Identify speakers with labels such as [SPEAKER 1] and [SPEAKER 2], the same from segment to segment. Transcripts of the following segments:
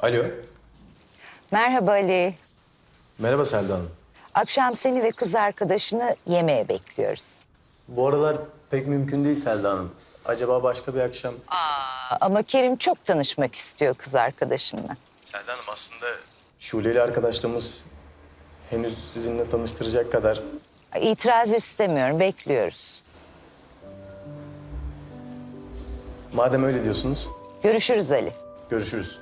[SPEAKER 1] Alo.
[SPEAKER 2] Merhaba Ali.
[SPEAKER 1] Merhaba Selda Hanım.
[SPEAKER 2] Akşam seni ve kız arkadaşını yemeğe bekliyoruz.
[SPEAKER 1] Bu aralar pek mümkün değil Selda Hanım. Acaba başka bir akşam...
[SPEAKER 2] Ama Kerim çok tanışmak istiyor kız arkadaşınla.
[SPEAKER 1] Selda Hanım aslında Şule ile arkadaşlığımız henüz sizinle tanıştıracak kadar...
[SPEAKER 2] İtiraz istemiyorum, bekliyoruz.
[SPEAKER 1] Madem öyle diyorsunuz,
[SPEAKER 2] Görüşürüz Ali.
[SPEAKER 1] görüşürüz.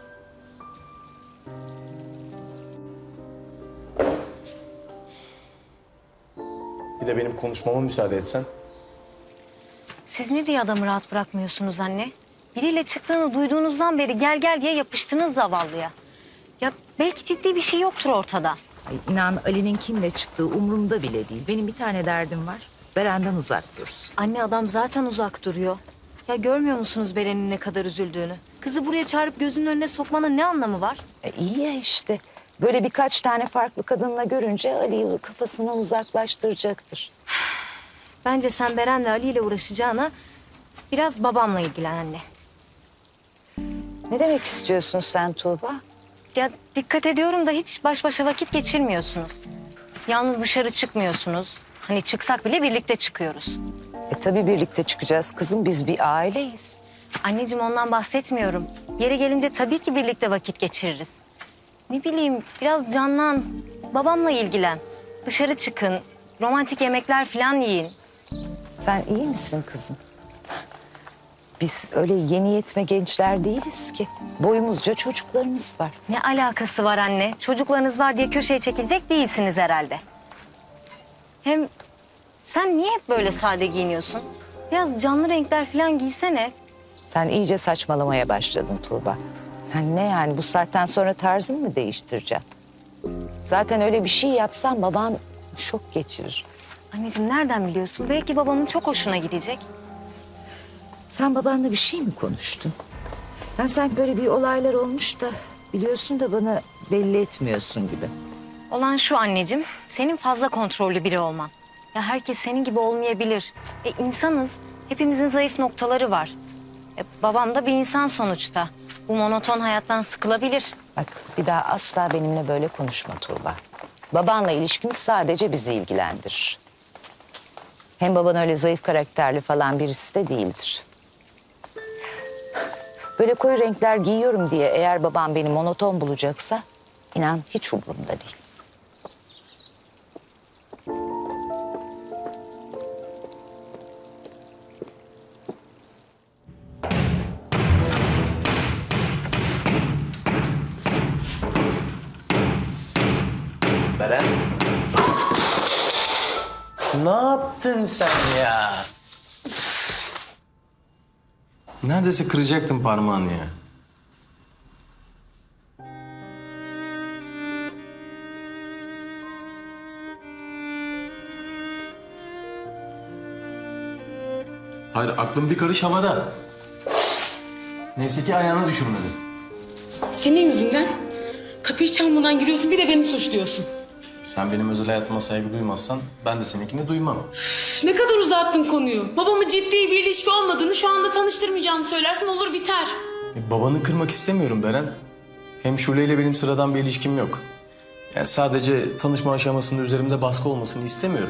[SPEAKER 1] Bir de benim konuşmama müsaade etsen.
[SPEAKER 3] Siz ne diye adamı rahat bırakmıyorsunuz anne? Biriyle çıktığını duyduğunuzdan beri gel gel diye yapıştınız zavallıya. Ya belki ciddi bir şey yoktur ortada.
[SPEAKER 4] Ay inan Ali'nin kimle çıktığı umurumda bile değil. Benim bir tane derdim var. Beren'den uzak dursun.
[SPEAKER 3] Anne adam zaten uzak duruyor. Ya görmüyor musunuz Beren'in ne kadar üzüldüğünü? Kızı buraya çağırıp gözünün önüne sokmanın ne anlamı var?
[SPEAKER 2] İyi ya işte. Böyle birkaç tane farklı kadınla görünce Ali'yi kafasından uzaklaştıracaktır.
[SPEAKER 3] Bence sen Beren'le Ali ile uğraşacağına biraz babamla ilgilen anne.
[SPEAKER 2] Ne demek istiyorsun sen Tuğba?
[SPEAKER 3] Ya dikkat ediyorum da hiç baş başa vakit geçirmiyorsunuz. Yalnız dışarı çıkmıyorsunuz. Hani çıksak bile birlikte çıkıyoruz.
[SPEAKER 2] Tabii birlikte çıkacağız kızım, biz bir aileyiz.
[SPEAKER 3] Anneciğim ondan bahsetmiyorum. Yeri gelince tabii ki birlikte vakit geçiririz. Ne bileyim biraz canlan, babamla ilgilen. Dışarı çıkın, romantik yemekler falan yiyin.
[SPEAKER 2] Sen iyi misin kızım? Biz öyle yeni yetme gençler değiliz ki. Boyumuzca çocuklarımız var.
[SPEAKER 3] Ne alakası var anne? Çocuklarınız var diye köşeye çekilecek değilsiniz herhalde. Hem sen niye hep böyle sade giyiniyorsun? Biraz canlı renkler falan giysene.
[SPEAKER 2] Sen iyice saçmalamaya başladın Tuğba. Ne yani bu saatten sonra tarzını mı değiştireceğim? Zaten öyle bir şey yapsan baban şok geçirir.
[SPEAKER 3] Anneciğim nereden biliyorsun? Belki babamın çok hoşuna gidecek.
[SPEAKER 4] Sen babanla bir şey mi konuştun? Ben sanki böyle bir olaylar olmuş da biliyorsun da bana belli etmiyorsun gibi.
[SPEAKER 3] Olan şu anneciğim, senin fazla kontrollü biri olman. Ya herkes senin gibi olmayabilir. İnsanız, hepimizin zayıf noktaları var. Babam da bir insan sonuçta. Bu monoton hayattan sıkılabilir.
[SPEAKER 2] Bak bir daha asla benimle böyle konuşma Tuğba. Babanla ilişkimiz sadece bizi ilgilendirir. Hem baban öyle zayıf karakterli falan birisi de değildir. Böyle koyu renkler giyiyorum diye eğer babam beni monoton bulacaksa inan hiç umurumda değil.
[SPEAKER 1] Beren. Ne yaptın sen ya? Neredeyse kıracaktın parmağını ya. Hayır, aklım bir karış havada. Neyse ki ayağına düşürmedin.
[SPEAKER 5] Senin yüzünden kapıyı çalmadan giriyorsun, bir de beni suçluyorsun.
[SPEAKER 1] Sen benim özel hayatıma saygı duymazsan ben de seninkini duymam.
[SPEAKER 5] Üf, ne kadar uzattın konuyu. Babamın ciddi bir ilişki olmadığını, şu anda tanıştırmayacağını söylersen olur biter.
[SPEAKER 1] Babanı kırmak istemiyorum Beren. Hem Şule ile benim sıradan bir ilişkim yok. Yani sadece tanışma aşamasında üzerimde baskı olmasını istemiyorum.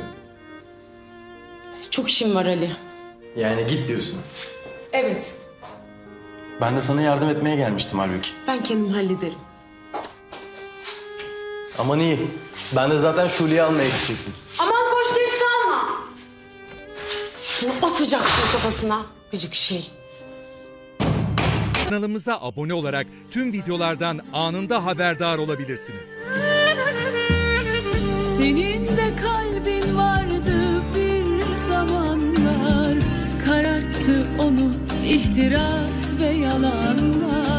[SPEAKER 5] Çok işim var Ali.
[SPEAKER 1] Yani git diyorsun.
[SPEAKER 5] Evet,
[SPEAKER 1] Ben de sana yardım etmeye gelmiştim halbuki.
[SPEAKER 5] ben kendim hallederim.
[SPEAKER 1] Aman iyi. Ben de zaten Şule'yi almaya gidecektim.
[SPEAKER 5] Aman koş, geç kalma. Şunu atacaksın kafasına. Gıcık şey.
[SPEAKER 6] Kanalımıza abone olarak tüm videolardan anında haberdar olabilirsiniz.
[SPEAKER 7] Senin de kalbin vardı bir zamanlar, kararttı onu ihtiras ve yalanlar.